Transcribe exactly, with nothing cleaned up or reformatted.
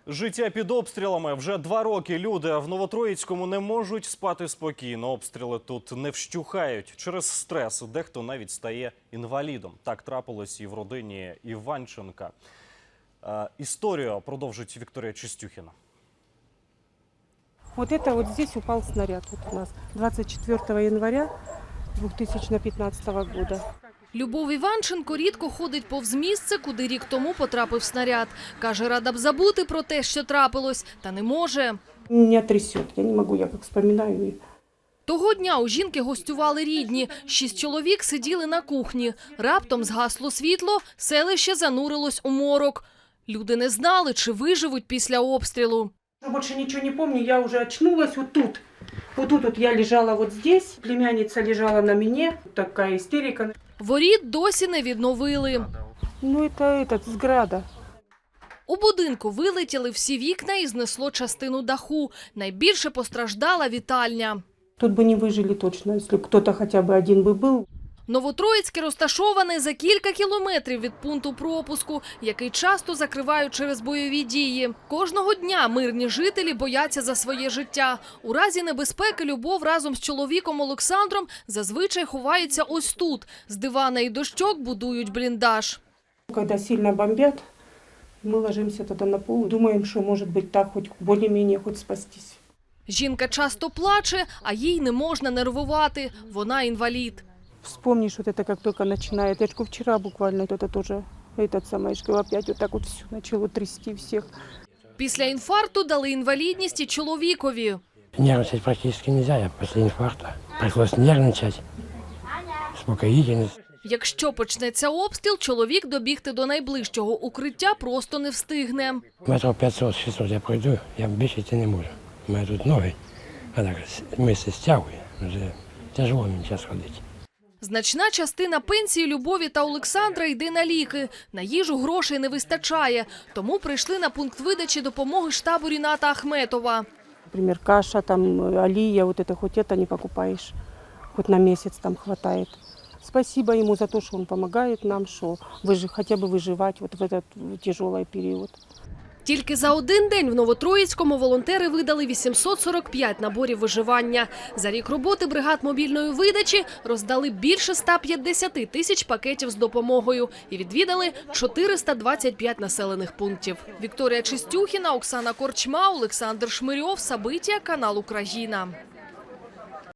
Життя під обстрілами. Вже два роки люди в Новотроїцькому не можуть спати спокійно. Обстріли тут не вщухають. Через стрес дехто навіть стає інвалідом. Так трапилось і в родині Іванченка. Е, історію продовжить Вікторія Чистюхіна. Вот это вот здесь упал снаряд. Вот у нас двадцать четвёртого января две тысячи пятнадцатого года. Любов Іванченко рідко ходить повз місце, куди рік тому потрапив снаряд. Каже, рада б забути про те, що трапилось, та не може. Меня трясет, я не могу, я как вспоминаю. Того дня у жінки гостювали рідні. Шість чоловік сиділи на кухні. Раптом згасло світло, селище занурилось у морок. Люди не знали, чи виживуть після обстрілу. Больше ничего не помню, я уже очнулась вот тут. Вот тут вот я лежала вот здесь, племянница лежала на мне, такая истерика. Воріт досі не відновили. Ну это этот, с града. У будинку вилетіли всі вікна і знесло частину даху. Найбільше постраждала вітальня. Тут бы не выжили точно, если кто-то хотя бы один бы был. Новотроїцьке розташоване за кілька кілометрів від пункту пропуску, який часто закривають через бойові дії. Кожного дня мирні жителі бояться за своє життя. У разі небезпеки Любов разом з чоловіком Олександром зазвичай ховається ось тут. З дивана і дощок будують бліндаж. Когда сильно бомбят, мы ложимся тогда на пол, думаем, что может быть так, хоть более-менее хоть спастись. Жінка часто плаче, а їй не можна нервувати. Вона інвалід. Вспомнишь вот это, как только начинает. Я ж говорю, вчера буквально это тоже, этот самый, что опять вот так вот все начало трясти всех. Після інфаркту дали інвалідність і чоловікові. Нервничать практически нельзя, я после инфаркта. Пришлось нервничать, успокоительность. Якщо почнеться обстріл, чоловік добігти до найближчого укриття просто не встигне. Метров п'ятсот-шістсот я пройду, я більше йти не можу. У мене тут ноги, а так мисля стягує, вже тяжело мені зараз ходити. Значна частина пенсії Любові та Олександра йде на ліки. На їжу грошей не вистачає. Тому прийшли на пункт видачі допомоги штабу Ріната Ахметова. Например, каша, там, олия, вот это хоть это не покупаешь, хоть на месяц там хватает. Спасибо ему за то, что он помогает нам, что выжи, хотя бы выживать вот в этот тяжелый период. Тільки за один день в Новотроїцькому волонтери видали вісімсот сорок п'ять наборів виживання. За рік роботи бригад мобільної видачі роздали більше ста п'ятдесяти тисяч пакетів з допомогою і відвідали чотириста двадцять п'ять населених пунктів. Вікторія Чистюхіна, Оксана Корчма, Олександр Шмирьов, Сабиття, канал Україна.